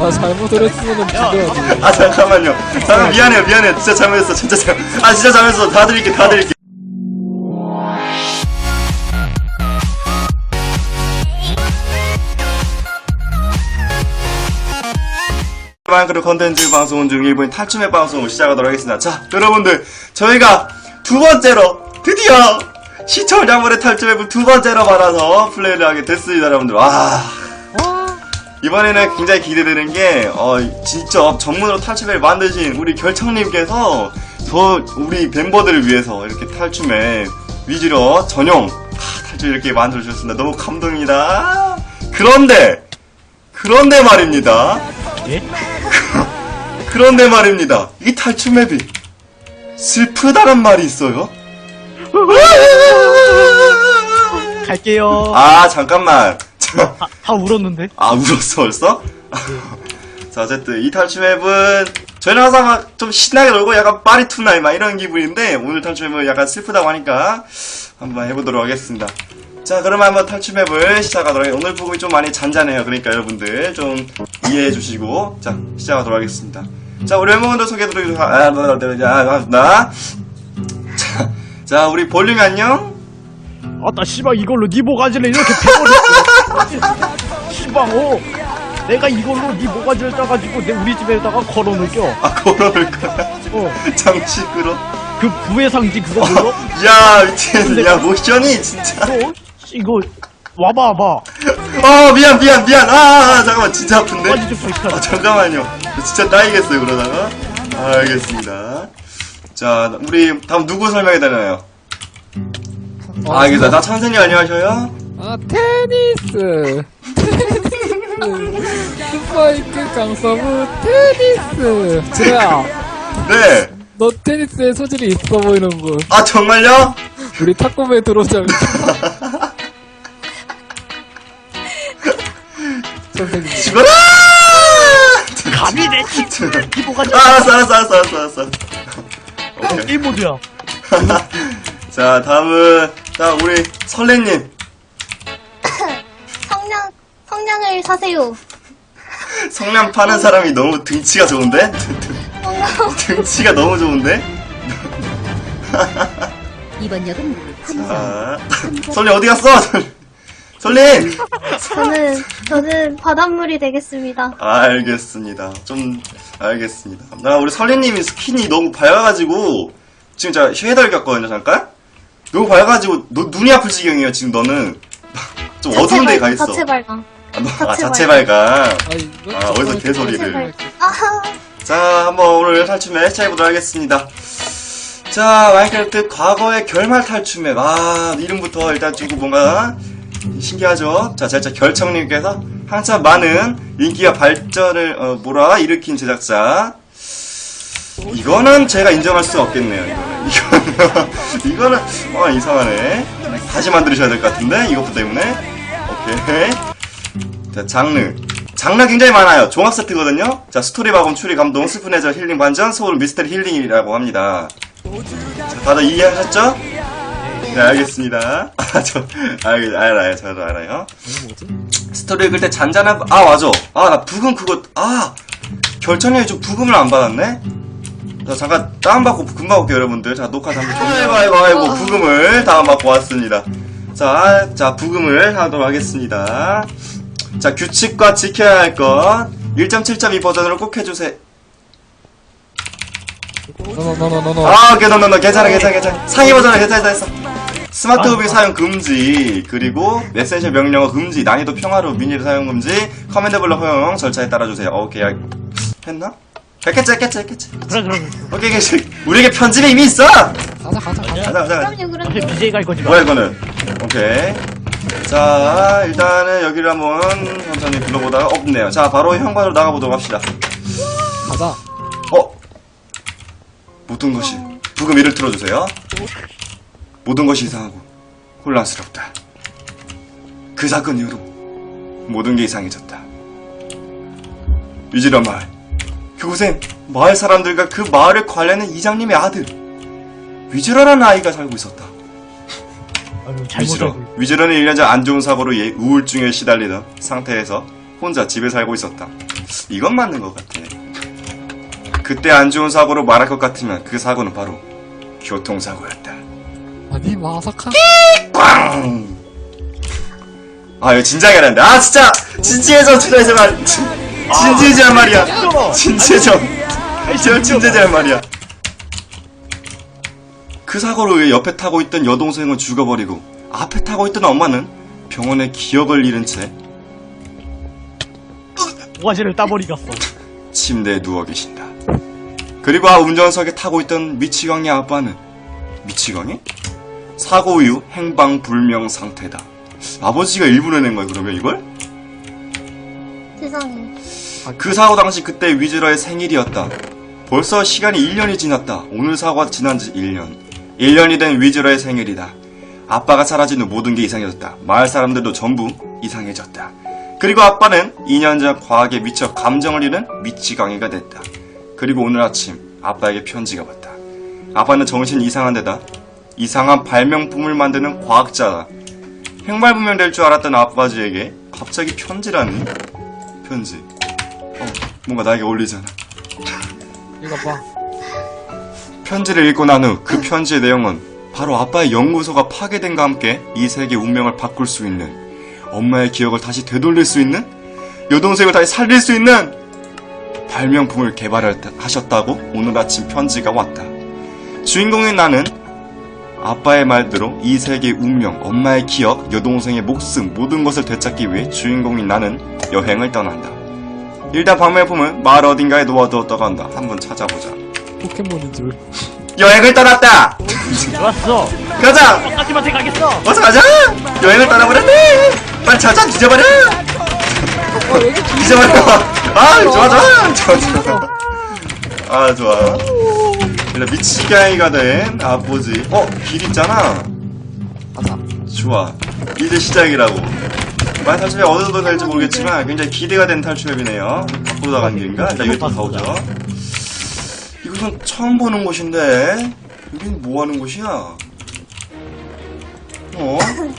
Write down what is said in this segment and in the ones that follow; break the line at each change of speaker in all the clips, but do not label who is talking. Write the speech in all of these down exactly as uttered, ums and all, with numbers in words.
아 잘못을 했으면 죽여야지.
아 잠깐만요. 잠깐 미안해요 미안해요. 진짜 잘못했어 진짜 잘. 아 진짜 잘못했어. 다 드릴게 다 드릴게. 마인크래프트 컨텐츠 방송 중 일본인 탈춤의 방송을 시작하도록 하겠습니다. 자 여러분들 저희가 두 번째로 드디어 시청자분의 탈춤앱을 두 번째로 받아서 플레이를 하게 됐습니다. 여러분들 와 이번에는 굉장히 기대되는 게 어, 직접 전문으로 탈춤앱을 만드신 우리 결청님께서 저 우리 멤버들을 위해서 이렇게 탈춤앱 위주로 전용 아, 탈춤 이렇게 만들어 주셨습니다. 너무 감동입니다. 그런데 그런데 말입니다.
예?
그런데 말입니다. 이 탈춤 맵이 슬프다란 말이 있어요.
갈게요.
아 잠깐만.
다, 다 울었는데?
아 울었어 벌써? 자 어쨌든 이 탈춤 맵은 저희는 항상 막 좀 신나게 놀고 약간 파리투나이 막 이런 기분인데 오늘 탈춤 맵은 약간 슬프다고 하니까 한번 해보도록 하겠습니다. 자 그러면 한번 탈춤 맵을 시작하도록 하겠습니다. 오늘 부분이 좀 많이 잔잔해요. 그러니까 여러분들 좀 이해해 주시고 자 시작하도록 하겠습니다. 자 우리 멤버분들 소개해드리도록 하겠습니다. 자, 자 우리 볼륨 안녕.
아따 씨발 이걸로 니 모가지를 이렇게 패버렸어. 씨발 어 내가 이걸로 니 모가지를 짜가지고 내 우리 집에다가 걸어놓을게요.
아 걸어놓을 거야.
어
장식으로.
그 부의 상징 그거 몰라?
야 미친. 야 모션이 진짜.
너 이거 와봐 와봐.
어 미안 미안 미안. 아, 아 잠깐만 진짜 아픈데.
모가지 좀 불편해.
아 잠깐만요. 진짜 따이겠어요 그러다가. 아, 알겠습니다. 자 우리 다음 누구 설명해 드려요? 아 알겠다. 나 천생님 안녕하셔요.
아 테니스. 테니스. 스파이크 강서부 테니스. 지로야.
네.
너 테니스에 소질이 있어 보이는군.
아 정말요?
우리 탁구부에 들어오자면. 선생님.
죽어라!
감히 내 친구를 니 모가지.
아, 알았어, 알았어, 알았어, 알았어, 알았어. 오케이.
게임 모드야.
자, 다음은, 자, 우리 설레님.
성냥, 성냥을 사세요.
성냥 파는 사람이 너무 등치가 좋은데? 등치가 너무 좋은데?
이번 역은
자, 설레 어디 갔어? 설레!
저는, 저는 바닷물이 되겠습니다.
알겠습니다. 좀, 알겠습니다. 나 우리 설레님이 스킨이 너무 밝아가지고, 지금 제가 쉐이더를 꼈거든요, 잠깐? 너무 밝아가지고, 너, 눈이 아플 지경이에요, 지금 너는. 좀 어두운 데에 가 있어.
자체 발광.
아, 너, 아,
자체
자체 발광.
아이, 너
아, 어디서
자체
개소리를.
발광. 아하.
자, 한번 오늘 탈춤에 시작해보도록 하겠습니다. 자, 마인크래프트 과거의 결말 탈춤에, 아, 이름부터 일단 주고 뭔가 신기하죠? 자, 제작자 결청님께서 한참 많은 인기와 발전을, 어, 뭐라, 일으킨 제작자. 이거는 제가 인정할 수가 없겠네요, 이거는. 이거는, 이거는, 어, 이상하네. 다시 만들으셔야 될 것 같은데, 이것도 때문에. 오케이. 자, 장르. 장르 굉장히 많아요. 종합 세트거든요. 자, 스토리 바꿈, 추리 감동, 슬픈 해절, 힐링 반전, 소울 미스터리 힐링이라고 합니다. 자, 다들 이해하셨죠? 네, 알겠습니다. 아, 저, 알겠, 알아요. 저도 알아요. 스토리 읽을 때 잔잔한, 아, 맞아. 아, 나 부금 그거, 아, 결정력이 좀 부금을 안 받았네? 자, 잠깐, 다운받고 금방 올게요, 여러분들. 자, 녹화 잠깐 좀. 아이고, 아이고, 아이고, 부금을 다운받고 왔습니다. 자, 자, 부금을 하도록 하겠습니다. 자, 규칙과 지켜야 할 것. 일 점 칠 점 이 버전으로 꼭 해주세요.
노노노노노노.
아, 오케이, 너너너 괜찮아, 괜찮아, 괜찮아. 상위 버전은 괜찮다 했어. 스마트 무빙 사용 금지, 그리고 메시지 명령어 금지, 난이도 평화로 미니를 사용 금지, 커맨드 블럭 허용 절차에 따라주세요. 어, 오케이, 야, 했나? 했겠지, 했겠지, 했겠지.
그래 그래.
오케이, 오케이. 우리에게 편집이 이미 있어! 가자,
가자 가자 가자.
가자.
그럼요,
어차피
그럼요.
비제이 갈 거지 마.
뭐야, 이거는? 오케이. 자, 일단은 여기를 한번 천천히 불러보다가 없네요. 자, 바로 현관으로 나가보도록 합시다.
가자.
어? 모든 것이 부금 이를 틀어주세요. 모든 것이 이상하고 혼란스럽다. 그 사건 이후로 모든 게 이상해졌다. 위지러 마을. 그곳엔 마을 사람들과 그 마을을 관리하는 이장님의 아들 위즈러라는 아이가 살고 있었다.
아유,
위즈러.
잘못하고.
위즈러는 일 년 전 안 좋은 사고로 예, 우울증에 시달리던 상태에서 혼자 집에 살고 있었다. 이건 맞는 것 같아. 그때 안 좋은 사고로 말할 것 같으면 그 사고는 바로 교통사고였다.
아니 마사카.
꽝! 아 이거 진지하게 하는데 아 진짜 진지해져 진지해져 말 진지해져 할 말이야. 진지해져 저 진지해져 할 말이야. 그 사고로 인해 옆에 타고 있던 여동생은 죽어버리고 앞에 타고 있던 엄마는 병원에 기억을 잃은 채
모가지를 따버리 갔어.
침대에 누워 계신다. 그리고 아 운전석에 타고 있던 미치광이 아빠는 미치광이? 사고 이후 행방불명 상태다. 아버지가 일부러 낸 거야 그러면 이걸?
세상에.
그 사고 당시 그때 위즈러의 생일이었다. 벌써 시간이 일 년이 지났다. 오늘 사고가 지난 지 일 년. 일 년이 된 위즈러의 생일이다. 아빠가 사라진 후 모든 게 이상해졌다. 마을 사람들도 전부 이상해졌다. 그리고 아빠는 이 년 전 과학에 미쳐 감정을 잃은 미치광이가 됐다. 그리고 오늘 아침 아빠에게 편지가 왔다. 아빠는 정신이 이상한 데다 이상한 발명품을 만드는 과학자다. 행발분명 될 줄 알았던 아빠지에게 갑자기 편지라니? 편지. 어, 뭔가 나에게 어울리잖아.
이거 봐.
편지를 읽고 난 후 그 편지의 내용은 바로 아빠의 연구소가 파괴된과 함께 이 세계의 운명을 바꿀 수 있는, 엄마의 기억을 다시 되돌릴 수 있는, 여동생을 다시 살릴 수 있는 발명품을 개발하셨다고 오늘 아침 편지가 왔다. 주인공인 나는 아빠의 말대로 이 세계의 운명, 엄마의 기억, 여동생의 목숨 모든 것을 되찾기 위해 주인공인 나는 여행을 떠난다. 일단 발명품은 마을 어딘가에 놓아두었다고 한다. 한번 찾아보자.
포켓몬인 줄.
여행을 떠났다!
좋았어.
가자!
똑같이한테 가겠어.
어서 가자! 여행을 떠나버렸네! 빨리 찾아! 뒤져버려!
어 여기
뒤져버려! 아 좋아 좋아! 좋아 좋아. 아 좋아. 일단 미치광이가 된 아버지. 어? 길 있잖아.
가자.
좋아. 이제 시작이라고. 만약 탈출이 어디서 될지 모르겠지만 굉장히 기대가 된 탈출맵이네요. 밖으로 나가는 길인가? 일단 여기 또 가보죠. 이곳은 처음 보는 곳인데 여긴 뭐 하는 곳이야? 어? 어?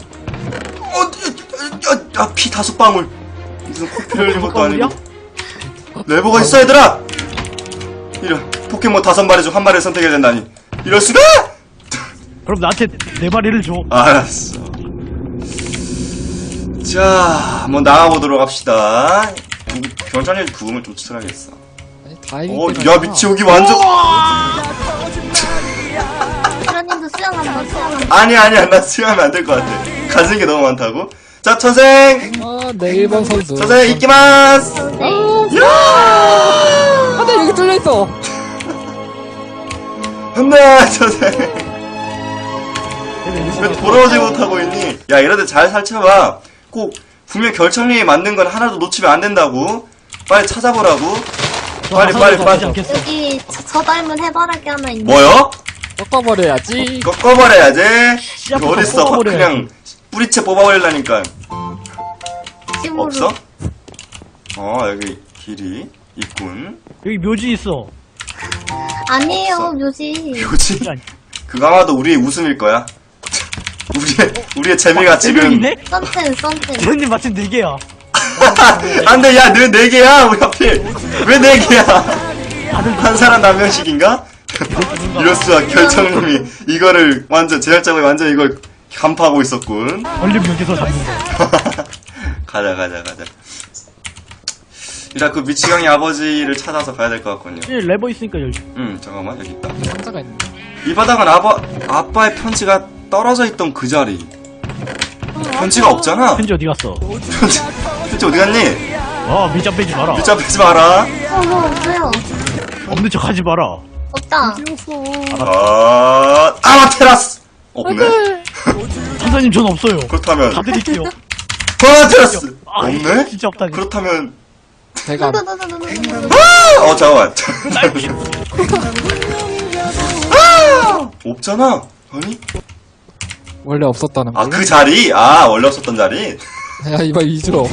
아, 아, 피 다섯 방울. 무슨 코피를 흘린 것도 아니고. 레버가 있어 얘들아! 이런 포켓몬 다섯 마리 중 한 마리를 선택해야 된다니. 이럴 수가!
그럼 나한테 네 마리를 줘.
알았어. 자, 한번 나가보도록 합시다. 경찰님 구음을 좀 추천하겠어.
아니 다 이길
어,
때가
야
있잖아.
미치 여기 완전.
그라님도 수영 한번 수영 한번.
아니 아니야 나 수영하면 안 될 것 같아. 가진 게 너무 많다고. 자 천생,
아내 일 번 선수.
천생 이끼마스.
네.
야!
안돼 여기 뚫려 있어.
한다 천생. 왜 돌아오지 못하고 있니? 야 이러다 잘 살펴봐. 꼭 분명 결정님이 만든 건 하나도 놓치면 안 된다고. 빨리 찾아보라고. 빨리 빨리 빨리.
여기 저, 저 닮은 해바라기 하나 있네.
뭐요?
꺾어버려야지.
꺾어버려야지. 이거
씨앗부터
어딨어?
뽑아버려야지.
그냥 뿌리채 뽑아버리려니까.
심으로.
없어? 어 여기 길이 있군.
여기 묘지 있어.
아니에요
없어.
묘지.
뭐지?
아니,
그거 아마도 우리의 웃음일 거야. 우리의 우리의 재미가
네
지금.
명이네?
썬텐 썬텐.
대현님 마침 네 개야.
안돼 야 너 네 개야 우리 하필 왜 네 개야? 한 사람 한 명씩인가? 이럴 수가. 결정님이 이거를 완전 제작자가 완전 이걸 간파하고 있었군.
얼른 여기서 잡는 거.
가자 가자 가자. 일단 그 미치광이 아버지를 찾아서 가야 될 것 같군요.
이 레버 있으니까 열지.
음 잠깐만 여기 있다.
상자가 있네.
이 바닥은 아빠 아빠의 편지가 떨어져 있던 그 자리. 편지가 없잖아.
편지 어디 갔어?
편지 편지 어디 갔니?
아 미자 빼지 마라.
밑잡 빼지 마라.
어뭐 없어요.
없는 척 하지 마라.
없다.
아 아마테라스 없네.
판사님 전 없어요.
그렇다면
다 드릴게요.
아마테라스
아,
없네.
진짜 없다니.
그렇다면
대감.
아! 어 잠깐만. 아! 없잖아. 아니?
원래 없었다는 거.
아 그 자리? 아 원래 없었던 자리?
야 이봐 이주로.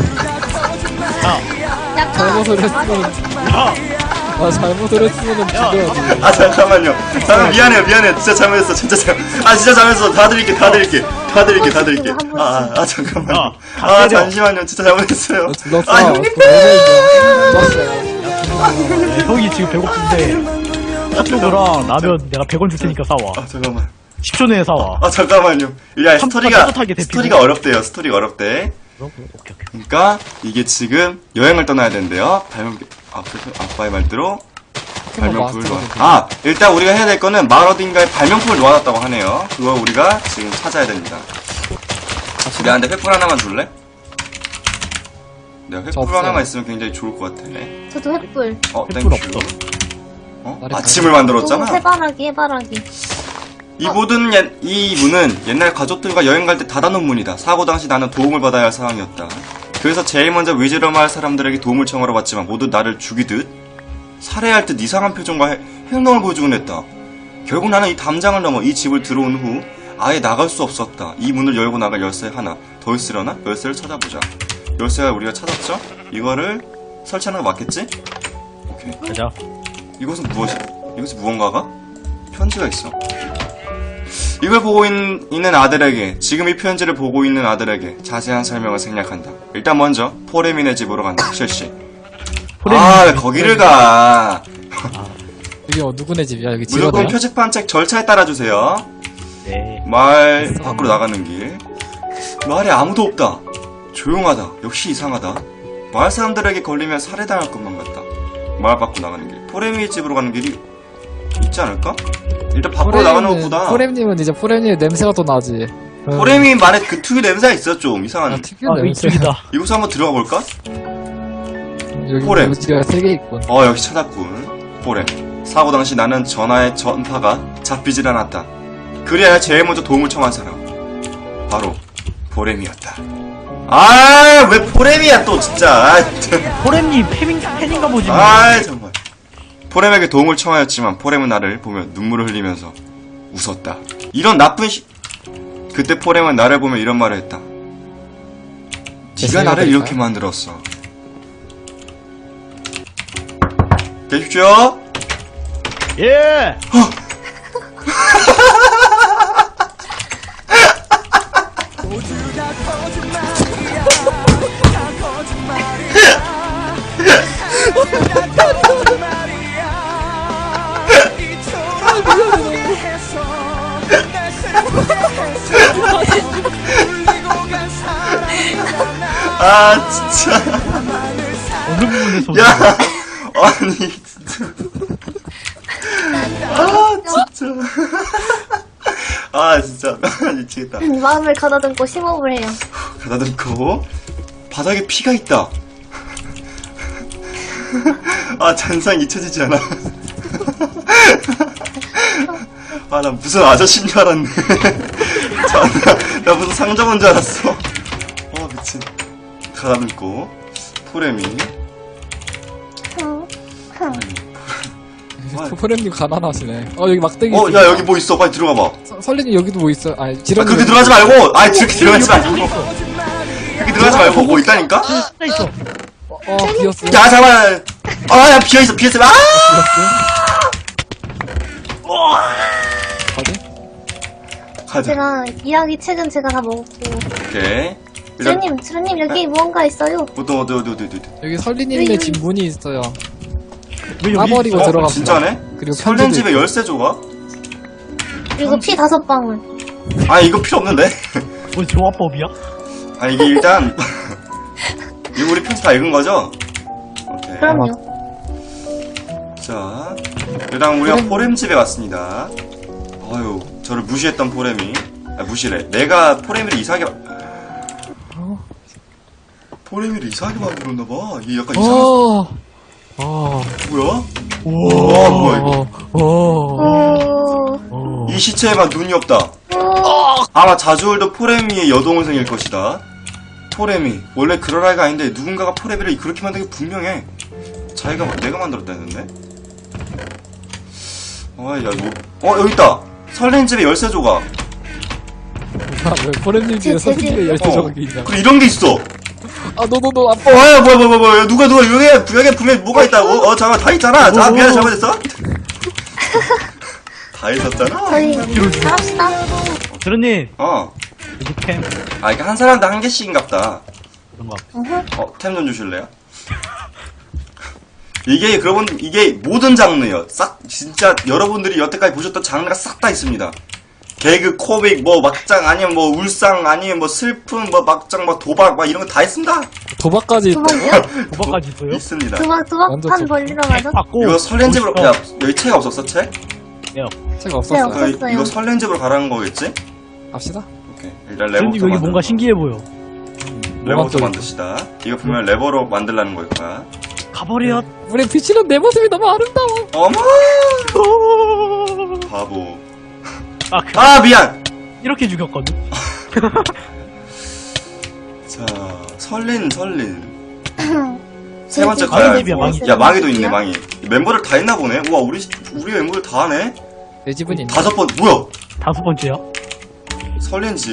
약간
잘못을 했으면.
야,
아 잘못을 했으면은 죽여야지.
아 잠깐만요. 잠깐 미안해요 미안해. 진짜 잘못했어 진짜 잘. 아 진짜 잘못했어. 다 드릴게 다 드릴게. 다 드릴게, 다 드릴게.
한 번씩.
아, 아, 아, 잠깐만요.
야, 다
아,
때려.
잠시만요. 진짜 잘못했어요.
너 둘렀어.
아, 형님.
둘렀어요.
야, 형이 지금 배고픈데 핫도그랑 라면 내가 백 원 줄 테니까 사와.
아, 잠깐만.
십 초 내에 사와.
아, 잠깐만요. 야,
한
스토리가,
번 따뜻하게 데피고.
스토리가 어렵대요. 스토리가 어렵대.
그럼, 그럼, 오케이, 오케이.
그러니까, 이게 지금 여행을 떠나야 된대요. 발명, 아, 그래서 아빠의 말대로 발명품을 놓아. 아, 일단 우리가 해야 될 거는 마을 어딘가에 발명품을 놓아놨다고 하네요. 그거 우리가 지금 찾아야 됩니다. 내한테 횃불 하나만 줄래? 내가
저
횃불
없어요.
하나만 있으면 굉장히 좋을 것 같아.
저도 횃불.
어,
횃불
땡큐.
없어.
어?
나를
아침을
또
만들었잖아.
해바라기, 해바라기.
이 모든 옛, 이 문은 옛날 가족들과 여행 갈 때 닫아놓은 문이다. 사고 당시 나는 도움을 받아야 할 상황이었다. 그래서 제일 먼저 위즈러 마을 사람들에게 도움을 청하러 왔지만 모두 나를 죽이듯 살해할 듯 이상한 표정과 해- 행동을 보여주곤 했다. 결국 나는 이 담장을 넘어 이 집을 들어온 후 아예 나갈 수 없었다. 이 문을 열고 나갈 열쇠 하나 더 있으려나? 열쇠를 찾아보자. 열쇠가 우리가 찾았죠? 이거를 설치하는 거 맞겠지? 오케이.
가자.
이것은 무엇이? 이것이 무언가가? 편지가 있어. 이걸 보고 있, 있는 아들에게, 지금 이 편지를 보고 있는 아들에게 자세한 설명을 생략한다. 일단 먼저 포레민의 집으로 간다. 실시. 아, 왜 거기를 가?
여기 어, 누구네 집이야? 여기
무조건
지러대야?
표지판 책 절차에 따라주세요.
네.
마을 밖으로 나가는 길. 마을에 아무도 없다. 조용하다. 역시 이상하다. 마을 사람들에게 걸리면 살해당할 것만 같다. 마을 밖으로 나가는 길. 포레미의 집으로 가는 길이 있지 않을까? 일단 밖으로 나가는 것보다
포렘님은 이제 포렘님 냄새가 더 나지. 응.
포레미 말에 그 특유 냄새가 있어. 좀 이상한.
아,
아,
특유한
여기
냄새.
이쪽이다.
이곳에 한번 들어가 볼까?
여기
포렘.
여기가 세 개 있군.
어, 역시 찾았군. 포렘. 사고 당시 나는 전화의 전파가 잡히질 않았다. 그래야 제일 먼저 도움을 청한 사람. 바로 포렘이었다. 아, 왜 포렘이야 또 진짜. 아,
포렘님 팬인, 팬인가 보지. 뭐.
아, 정말. 포렘에게 도움을 청하였지만 포렘은 나를 보며 눈물을 흘리면서 웃었다. 이런 나쁜 시... 그때 포렘은 나를 보며 이런 말을 했다. 네가 나를 이렇게 만들었어. 계십시오.
예!
아, 진짜.
어느 부분에서.
야, 아니, 진짜. 아, 진짜. 아, 진짜. 미치겠다.
마음을 가다듬고 심호흡을 해요.
가다듬고, 바닥에 피가 있다. 아, 잔상 잊혀지지 않아. 아, 나 무슨 아저씨인 줄 알았네. 자, 나, 나 무슨 상점인 줄 알았어. 어, 미친. 가다듬고, 포레미.
어,
포렘님 가난하시네. 어 여기 막대기.
어,
있습니다.
야, 여기 뭐 있어. 빨리 들어가 봐.
서- 설리님 여기도 뭐 있어? 아니
아,
지렁이.
그렇게 들어가지 말고! 아, 그렇게 들어가지 말고! 그렇게 들어가지 말고, 뭐 있다니까?
나 있어.
어, 어 비었어.
야, 잠깐만! 아, 야, 비어있어, 비어있어. 아!
어디?
가자.
제가 이야기 책은 제가 다 먹었고.
오케이. 일단,
주님, 주님 여기 무언가 있어요.
어디, 어디, 어디, 어디, 어디.
여기 설리님의 집 문이 있어요.
왜 여기
까버리고
있어?
어,
들어갑니다.
진짜네?
그리고
설렌
편지도
집에 열쇠 조각?
그리고 피 다섯 방울.
아, 이거 필요 없는데?
뭔 조합법이야?
아, 이게 일단, 이거 우리 편지 다 읽은 거죠? 오케이.
그럼요.
자, 일단 우리가 포렘 집에 왔습니다. 어휴, 저를 무시했던 포렘이. 아, 무시래. 내가 포레미를 이상하게, 마- 포레미를 이상하게 만들었나봐. 이게 약간 이상한,
어. 어.
뭐야?
오.
와, 뭐야, 이거.
어. 어.
오,
이 시체에만 눈이 없다.
오,
아마 자주올드 포레미의 여동생일 것이다. 포레미. 원래 그럴 아이가 아닌데 누군가가 포레미를 그렇게 만든 게 분명해. 자기가, 마- 내가 만들었다 했는데? 아, 야, 이거. 어, 여기 있다. 설렌 집에 열쇠 조각.
아, 왜 포렘님 집에
제- 제 집.
설리님의 열쇠
어.
조각이 있냐?
그리고 이런 게 있어.
아, 너, 너, 너, 아빠.
어, 야, 뭐야, 뭐야, 뭐야, 뭐야. 누가, 누가, 여기에, 여기에 분명히 뭐가 있다고? 어, 잠깐, 다 있잖아. 자, 미안해, 잘못했어. 다 있었잖아.
저희 잘합시다.
드루님,
어.
여기 템
아, 이게 한 사람당 한 개씩인갑다.
그런가.
어허.
어, 템 좀 주실래요? 이게, 그러분, 이게 모든 장르요. 싹, 진짜 여러분들이 여태까지 보셨던 장르가 싹 다 있습니다. 개그, 코믹, 뭐, 막장, 아니면 뭐, 울상, 아니면 뭐, 슬픔, 뭐, 막장, 뭐, 도박, 막 이런 거 다 있습니다.
도박까지 있다.
도박이요?
도박까지 있어요?
있습니다.
도박, 도박판
완전
벌리러 가죠?
받고
이거 설렌집으로,
오십 원.
야, 여기 책 없었어, 책?
네요.
제가 없었어요.
네,
그,
없었어요.
이거 설렌집으로 가라는 거겠지?
갑시다.
오케이. 일단
선생님
레버부터
여기 뭔가
만들어.
신기해 보여.
레버부터
뭐가
만드시다. 이거 보면 레버로 만들라는 거일 거야.
가버려.
우리 비치는 내 모습이 너무 아름다워.
어머! 바보.
아, 그,
아, 미안!
이렇게 죽였거든.
자, 설린, 설린. 세
제
번째
집
거야.
망이 집이야, 망이.
야, 망이도 있네, 망이. 멤버를 다 했나 보네? 우와, 우리, 우리 멤버를 다 하네?
내 집은 있네.
다섯 번, 뭐야?
다섯 번째야.
설린 집.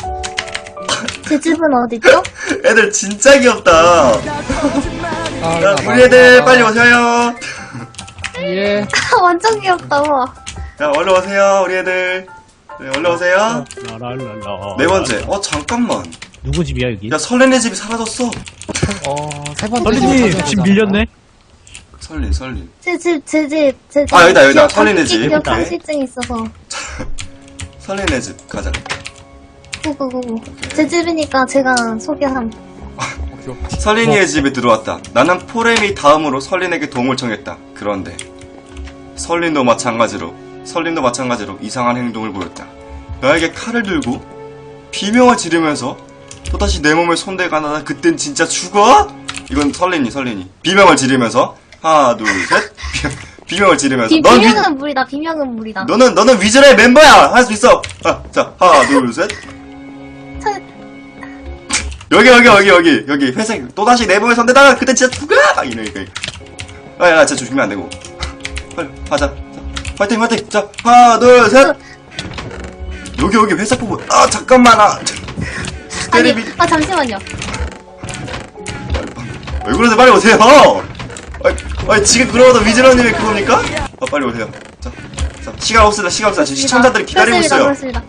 제 집은 어디죠?
애들 진짜 귀엽다.
아,
야,
나,
우리 애들
나,
빨리 오세요.
예.
완전 귀엽다, 우와.
야, 얼른 오세요, 우리 애들. 네, 얼른 오세요.
라랄랄라.
네 번째. 어, 잠깐만.
누구 집이야 여기?
야, 설린의 집이 사라졌어.
어, 세 번째
선생님
집을
집
찾아보자.
밀렸네.
설린, 설린.
제 집, 제 집, 제 집.
아, 여기다, 여기다.
기억
설리네
상실-
집.
기억
오케이.
상실증 있어서.
설린의 집, 가자.
구구구구. 제 집이니까 제가 소개함.
오케이, 오케이.
설린이의 집에 들어왔다. 나는 포렘이 다음으로 설린에게 도움을 청했다. 그런데 설린도 마찬가지로 설린도 마찬가지로 이상한 행동을 보였다. 나에게 칼을 들고 비명을 지르면서 또다시 내 몸에 손대가 나다. 그땐 진짜 죽어? 이건 설린이 설린이 비명을 지르면서 하나 둘 셋 비명을 지르면서
비,
넌 위,
비명은 물이다, 비명은 물이다.
너는 너는 위즈의 멤버야. 할 수 있어. 아, 자 하나 둘 셋
차-
여기 여기 여기 여기 여기 회색 또다시 내 몸에 손대다가 그때 진짜 죽어! 막 이러니까 아야 진짜 죽이면 안 되고 빨리 하자. 자, 파이팅 파이팅. 자 하나 둘 셋 여기 여기 회색 부분. 아 잠깐만. 아
아니,
때리비
아, 잠시만요.
왜 그러세요? 빨리 오세요. 아니, 아니 지금 그러고도 위즈러님이 그겁니까? 아 빨리 오세요. 자, 자 시간 없습니다. 시간 없습니다. 지금 시청자들이 기다리고
그렇습니다,
있어요.
그렇습니다.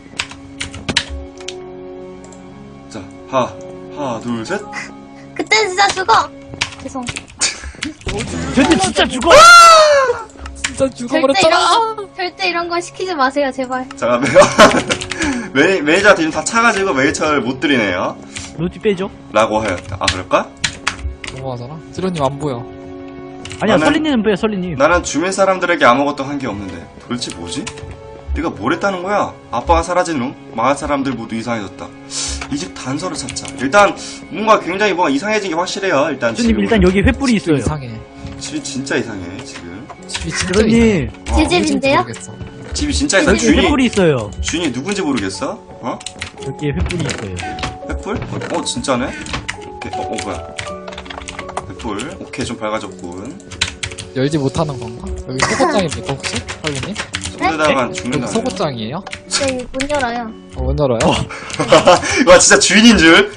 자 하나 하나 둘 셋
그땐 진짜 죽어! 죄송.
쟤네 진짜 죽어.
진짜
절대
죽어버렸잖아.
이런, 거- 절대 이런 거 시키지 마세요, 제발.
잠깐만요. 매니, 매니저한테 지금 다 차가지고 매니저를 못 드리네요.
노티 빼줘.
라고 하였다. 아 그럴까?
너무하잖아. 지로님 안 보여.
아니야
나는-
설리님 빼 설리님.
나는 주민 사람들에게 아무것도 한 게 없는데 도대체 뭐지? 내가 뭘 했다는 거야? 아빠가 사라진 후 마을 사람들 모두 이상해졌다. 이 집 단서를 찾자. 일단 뭔가 굉장히 뭔가 이상해진 게 확실해요. 일단
선생님
지금
일단 여기 횃불이 있어요.
이상해.
집이 진짜 이상해 지금.
집이 진짜
선생님
어,
제 집인데요?
모르겠어.
집이 진짜 이상해.
여기
주인이
횃불이 있어요.
주인이 누군지 모르겠어? 어?
여기에 횃불이 있어요.
횃불? 어, 어 진짜네? 오케이. 어, 어 뭐야? 횃불. 오케이 좀 밝아졌군.
열지 못하는 건가? 여기 소고장입니까 혹시? 할머니?
손대다간
여기
죽는다.
소고장이에요?
네, 문 열어요.
어, 문 열어요?
와 진짜 주인인 줄.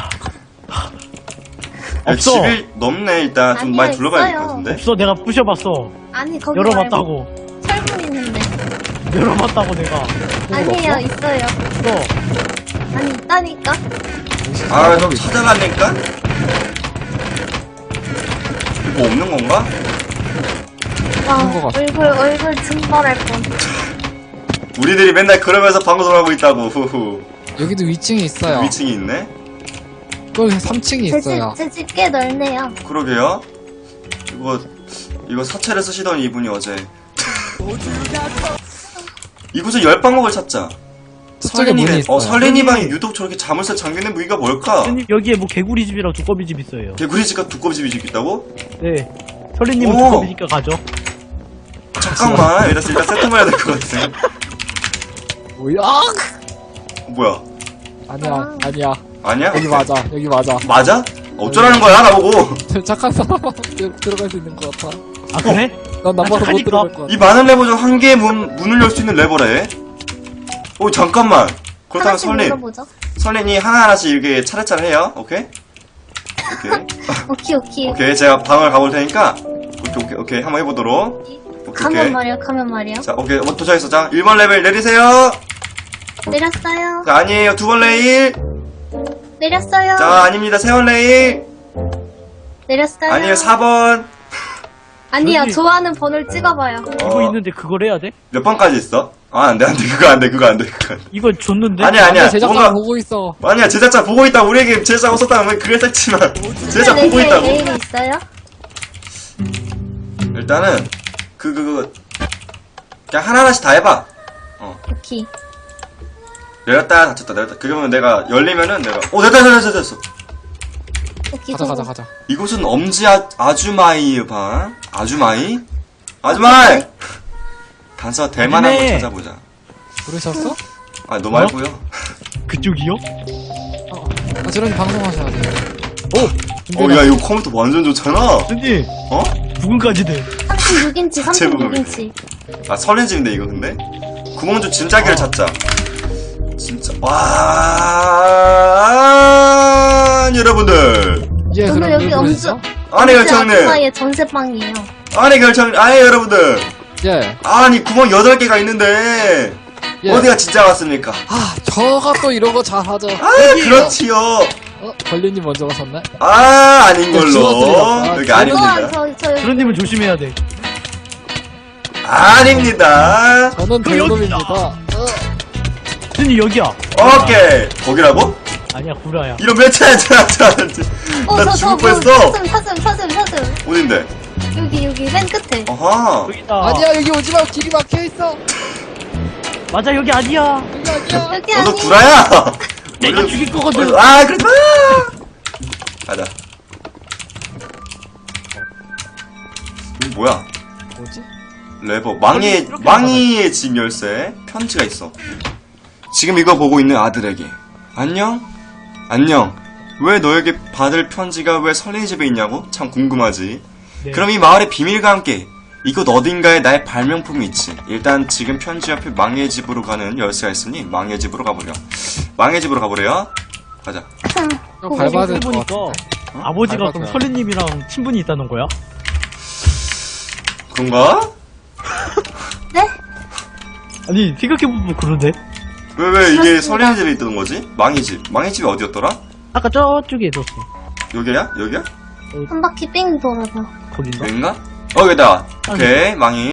야,
없어.
집이 넓네. 일단 좀
아니요,
많이 둘러봐야 될 것
있어요.
같은데.
없어 내가 부셔봤어.
아니, 거기
열어봤다고.
말고 철문 있는데.
열어봤다고 내가.
아니에요, 있어요.
없어.
아니, 있다니까?
아, 좀 찾아가니까? 뭐 없는 건가?
와,
그런 거 같아.
얼굴, 얼굴 증발할 뻔.
우리들이 맨날 그러면서 방송하고 있다고. 후후.
여기도 위층이 있어요.
위층이 있네.
또 삼 층이
제
있어요.
집, 제 집 꽤 넓네요.
그러게요. 이거 이거 사채를 쓰시던 이분이 어제. 이곳에 열방목을 찾자.
저쪽에 문이
설린이네.
있어요.
어, 설린이 방이 유독 저렇게 자물쇠 잠기는 무기가 뭘까?
선생님 여기에 뭐 개구리 집이랑 두꺼비 집 있어요.
개구리 집과 두꺼비 집이 있다고?
네. 설리님은
오.
두꺼비 집가 가죠.
잠깐만. 일단 일단 세팅을 해야 될 것 같아.
뭐야?
뭐야?
아니야,
아.
아니야.
아니야?
여기 맞아, 여기 맞아.
맞아? 어쩌라는 거야 나보고.
착한 사람만 들- 들어갈 수 있는 것 같아.
아 그래?
난 나빠서 못
착하니까.
들어갈 것 같아.
이 많은 레버 중 한 개의 문, 문을 열 수 있는 레버래. 오, 잠깐만. 그렇다면
하나씩
설린.
물어보죠.
설린이 하나하나씩 이렇게 차례차례 해요. 오케이? 오케이.
오케이, 오케이.
오케이. 제가 방을 가볼 테니까. 오케이, 오케이, 오케이. 한번 해보도록. 오케이,
가면
오케이.
말이야, 가면 말이야.
자, 오케이. 어, 도착했어. 자, 일 번 레벨 내리세요.
내렸어요.
자, 아니에요. 두 번 레일.
내렸어요.
자, 아닙니다. 세 번 레일.
내렸어요.
아니에요. 사 번.
아니요,
여기.
좋아하는 번호를 찍어봐요.
이거 있는데 그걸 해야 돼?
몇 번까지 있어? 아, 안 돼, 안 돼. 그거 안 돼, 그거 안 돼, 그거 안 돼.
이거 줬는데?
아니야, 아니야.
제작자
뭔가,
보고 있어.
아니야, 제작자 보고 있다. 우리에게 제작자가 썼다면 왜 그걸 썼지만. 제작자
네
보고
개의
있다고.
레일이 있어요?
일단은, 그, 그, 그, 그냥 하나하나씩 다 해봐. 어.
오케이.
내렸다, 닫혔다, 내렸다. 그러면 내가 열리면은 내가, 오, 됐다, 됐다, 됐다, 됐어.
오케이.
가자,
성공.
가자, 가자.
이곳은 엄지 아, 아주마이 방. 아주마이? 아주마이! 단서 대만 한번
아주매.
찾아보자.
부르셨어?
아, 너 말고요.
그쪽이요?
어. 아, 저런 방송하셔야 돼. 오!
어, 야, 이거 컴퓨터 완전 좋잖아.
선생님,
어?
부근까지 돼.
삼십육 인치, 삼십육
제목을.
인치.
아, 설렌집인데, 이거 근데? 구멍주 진짜기를 찾자. 진짜, 와, 여러분들.
예,
저는
그럼
여기
늘
엄지,
부르시죠?
아니, 결정님.
아줌마의 전세방이에요.
아니, 결정, 아니, 여러분들.
예.
아니, 구멍 여덟 개가 있는데.
예.
어디가 진짜 같습니까?
아, 저가 또 이런 거 잘하죠.
아, 그렇지요.
어? 걸리님 먼저 가셨네?
아, 아닌 걸로.
주워드려.
여기
아,
아닙니다.
저, 저, 저, 여기.
그런님은 조심해야 돼.
아닙니다.
저는
그
배우놈입니다.
여기다.
어.
선생님, 여기야.
오케이. 거기라고?
아니야, 구라야.
이런 몇 차야, 차, 차.
어,
나
저,
죽을
저, 뭐,
뻔했어.
사슴, 사슴, 사슴, 사슴.
어딘데?
여기, 여기, 맨 끝에.
어허.
여기다.
아니야, 여기 오지 마. 길이 막혀있어.
맞아, 여기 아니야.
여기 아니야.
여기
너도
아니.
구라야.
내가
어디-
죽일 거거든.
아, 그러지 마. 가자. 이거 뭐야?
뭐지?
레버. 망의,
이렇게
망이의 집 열쇠. 편지가 있어. 지금 이거 보고 있는 아들에게. 안녕? 안녕. 왜 너에게 받을 편지가 왜 설레이 집에 있냐고? 참 궁금하지.
네.
그럼 이 마을의 비밀과 함께 이곳 어딘가에 나의 발명품이 있지. 일단 지금 편지 옆에 망의 집으로 가는 열쇠가 있으니 망의 집으로 가보려. 망의 집으로 가보래요. 가자.
이거 밟아야 될 것
보니까
같아.
아버지가
밟았어요.
그럼 설리님이랑 친분이 있다는 거야?
그런가?
네?
아니, 생각해보면 그러네.
왜, 왜 이게
그렇습니다.
설레이 집에 있던 거지? 망의 집. 망의 집이 어디였더라?
아까 저쪽에 있었어.
여기야? 여기야?
한 바퀴 삥 돌아서.
거긴가?
여긴가? 어, 여기다. 오케이, 망이.